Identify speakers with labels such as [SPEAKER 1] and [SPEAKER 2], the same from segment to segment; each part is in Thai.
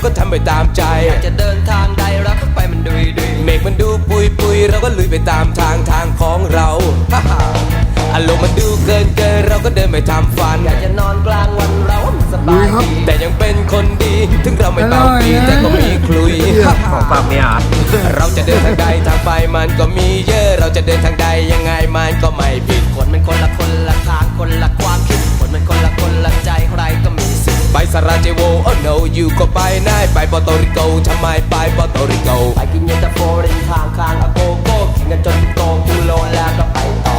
[SPEAKER 1] ก็ทำไปตามใจ
[SPEAKER 2] อยากจะเดินทางใดเราก็ไปมันดุย
[SPEAKER 1] เมฆมันดูปุยเราก็ลุยไปตามทางของเราอารมณ์มันดูเกินเราก็เดินไปทำฝัน
[SPEAKER 2] อยากจะนอนกลางวันเราว่ามันสบายดี
[SPEAKER 1] แต่ยังเป็นคนดีถึงเราไม่เบาปีแต่ก็มีคลุย
[SPEAKER 3] ของฝากเนี่ย
[SPEAKER 1] เราจะเดินทางใดทางไปมันก็มีเยอะเราจะเดินทางใดยังไงมันก็ไม่ผิด
[SPEAKER 2] คนมันคนละทางคนละความคิดคนมันคนละใจใครก็มีสิทธิ์
[SPEAKER 1] ไปสราเจโวโอ้ no อยู่ก็ไปได้ไปปอร์โตริโกทำไมไปปอร์โตริโก
[SPEAKER 2] ไปกินเย็นตาโฟริมทางอาโกโก้กินกันจนโตกูโลแล้วก็ไปต่อ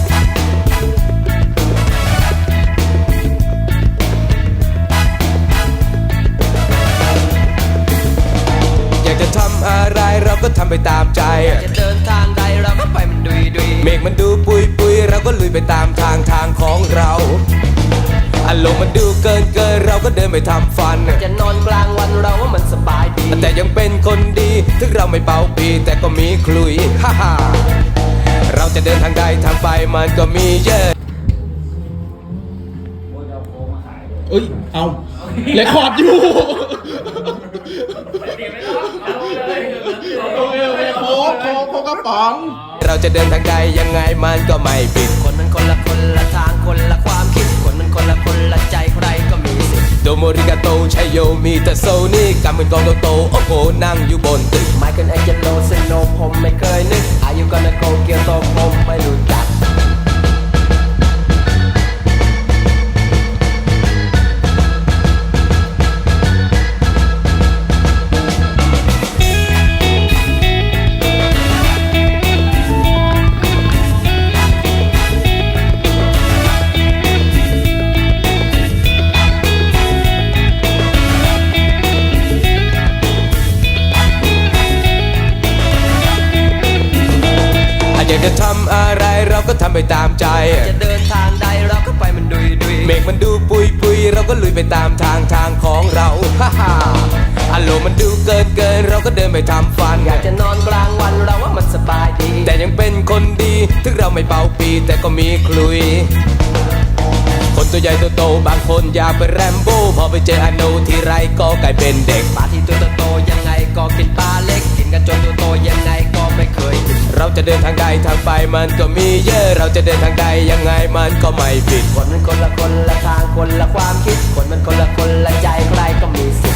[SPEAKER 1] อยากจะทำอะไรเราก็ทำไปตามใจ
[SPEAKER 2] อยากจะเดินทางใดเราก็ไปมันดุย
[SPEAKER 1] เมฆมันดูปุยเราก็ลุยไปตามทางของเราอารมณ์มันดูเกินเราก็เดินไปทำฝัน
[SPEAKER 2] อยากจะนอนกลางวันเราว่ามันสบายดี
[SPEAKER 1] แต่ยังเป็นคนดีถึงเราไม่เป่าปีแต่ก็มีคลุยเราจะเดินทางใดทางไปมันก็มีเยอะ
[SPEAKER 4] เอ้ยเอาเรคคอร์ดอยู่โอเคโค้กกระป๋อง
[SPEAKER 1] เราจะเดินทางใดยังไงมันก็ไม่ผิด
[SPEAKER 2] คนมันคนละทางคนละความคิดคนมันคนละใจใครก็มีสิทธิ์
[SPEAKER 1] โดโมริกาโตชัยโยมีแต่โซนี่กำเป็นกองโตโอ้โหนั่งอยู่บนตึก
[SPEAKER 2] ไมเคิลแองเจโลเซโนผมไม่เคยนึกอายุก็นาโกเกียวโตผมไม่รู้จัก
[SPEAKER 1] อยากจะทำอะไรเราก็ทำไปตามใจ
[SPEAKER 2] จะเดินทางใดเราก็ไปมันดุย
[SPEAKER 1] เมฆมันดูปุยเราก็ลุยไปตามทางของเราอารมณ์มันดูเกินเราก็เดินไปทำฝัน
[SPEAKER 2] อยากจะนอนกลางวันเราว่ามันสบายดี
[SPEAKER 1] แต่ยังเป็นคนดีถึงเราไม่เป่าปีแต่ก็มีคลุยคนตัวใหญ่ตัวโตบางคนอยากเป็นแรมโบ้พอไปเจออโนทีไรก็กลายเป็นเด็ก
[SPEAKER 2] ปลาที่ตัวโตยังไงก็กินปลาเล็กกินกันจนตัวโตยังไงก็ไม่เคยกิน
[SPEAKER 1] เราจะเดินทางใดทางไปมันก็มีเยอะเราจะเดินทางใดยังไงมันก็ไม่ผิด
[SPEAKER 2] คนมันคนละทางคนละความคิดคนมันคนละใจใครก็มีสิ